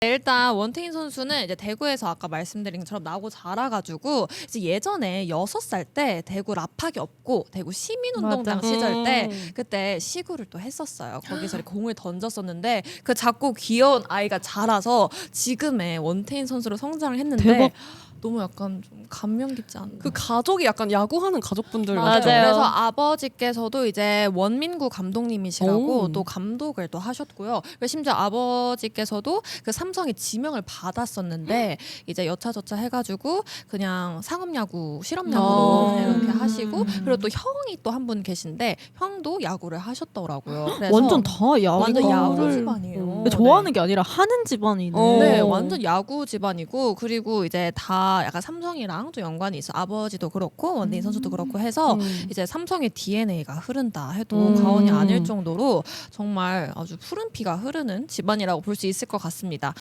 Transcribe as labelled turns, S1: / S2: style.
S1: 일단 원태인 선수는 이제 대구에서 아까 말씀드린 것처럼 나고 자라가지고 이제 예전에 6살 때 대구 라팍이 없고 대구 시민운동장
S2: 맞아.
S1: 시절 때 그때 시구를 또 했었어요. 거기서 공을 던졌었는데 그 작고 귀여운 아이가 자라서 지금의 원태인 선수로 성장을 했는데
S2: 대박.
S1: 너무 약간 좀 감명 깊지 않나.
S3: 그 가족이 약간 야구하는 가족분들
S1: 맞아요.
S3: 같죠?
S1: 그래서 아버지께서도 이제 원민구 감독님이시라고
S3: 오.
S1: 또 감독을 또 하셨고요. 그리고 심지어 아버지께서도 그 삼성의 지명을 받았었는데 이제 여차저차 해가지고 그냥 상업야구, 실업야구로 그냥 이렇게 하시고 그리고 또 형이 또 한 분 계신데 형도 야구를 하셨더라고요. 그래서
S2: 완전 다
S1: 완전 야구
S2: 야구를
S1: 집안이에요.
S2: 좋아하는 게 아니라 하는 집안이네.
S1: 네, 완전 야구 집안이고 그리고 이제 다 약간 삼성이랑 또 연관이 있어. 아버지도 그렇고 원태인 선수도 그렇고 해서 이제 삼성의 DNA가 흐른다 해도 과언이 아닐 정도로 정말 아주 푸른 피가 흐르는 집안이라고 볼 수 있을 것 같습니다.